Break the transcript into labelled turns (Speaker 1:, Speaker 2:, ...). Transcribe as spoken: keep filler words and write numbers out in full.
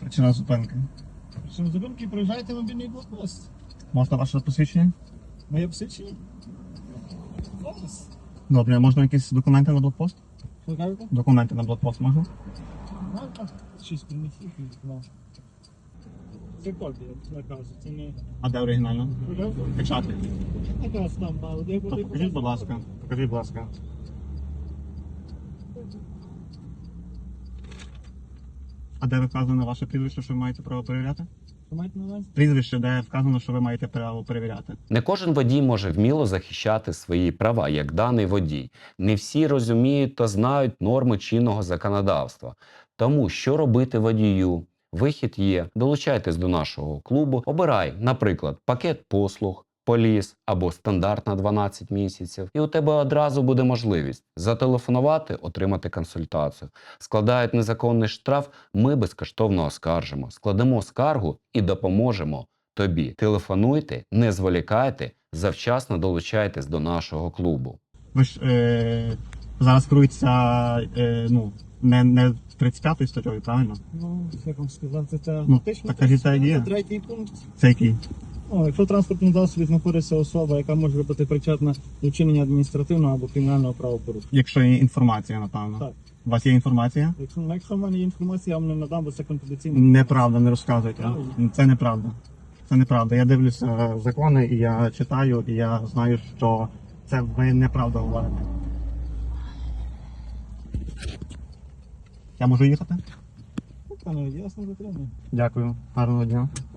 Speaker 1: Причина зупинки.
Speaker 2: Причому зупинки проїжджаєте мобільний блокпост.
Speaker 1: Можна ваше посвідчення?
Speaker 2: Моє посвідчення? Зараз.
Speaker 1: Добре, можна якісь документи на блокпост?
Speaker 2: Що кажете?
Speaker 1: Документи на блокпост можна?
Speaker 2: Ну, так. Щось принесіть. Ну. Це копія, наказ. Це не...
Speaker 1: А де оригінально? Печати.
Speaker 2: Наказ там, а де
Speaker 1: То
Speaker 2: буде...
Speaker 1: покажіть, будь ласка. Покажіть, будь ласка. А де вказано ваше прізвище, що ви маєте право перевіряти?
Speaker 2: Що маєте на увазі?
Speaker 1: Прізвище, де вказано, що ви маєте право перевіряти.
Speaker 3: Не кожен водій може вміло захищати свої права, як даний водій. Не всі розуміють та знають норми чинного законодавства. Тому що робити водію? Вихід є. Долучайтесь до нашого клубу. Обирай, наприклад, пакет послуг, поліс або стандарт на дванадцять місяців. І у тебе одразу буде можливість зателефонувати, отримати консультацію. Складають незаконний штраф, ми безкоштовно оскаржимо. Складемо скаргу і допоможемо тобі. Телефонуйте, не зволікайте, завчасно долучайтесь до нашого клубу.
Speaker 1: Ви ж е, зараз керуєтеся е, ну, не, не тридцять п'ятою статтею, правильно?
Speaker 2: Ну, як вам сказати, це
Speaker 1: Ну,
Speaker 2: фактично
Speaker 1: так кажіть, так є.
Speaker 2: третій пункт.
Speaker 1: Це який?
Speaker 2: Ну, якщо в транспортному засобі знаходиться особа, яка може бути причетна до вчинення адміністративного або кримінального правопорушення.
Speaker 1: Якщо є інформація, напевно.
Speaker 2: Так.
Speaker 1: У вас є інформація?
Speaker 2: Якщо, якщо в мене є інформація, я вам не надам, бо це конфіденційно.
Speaker 1: Неправда, не розказуйте. Це неправда. Це неправда. Я дивлюся закони, і я читаю, і я знаю, що це ви неправда говорите. Я можу їхати?
Speaker 2: Пане, ясно затримую.
Speaker 1: Дякую. Гарного дня.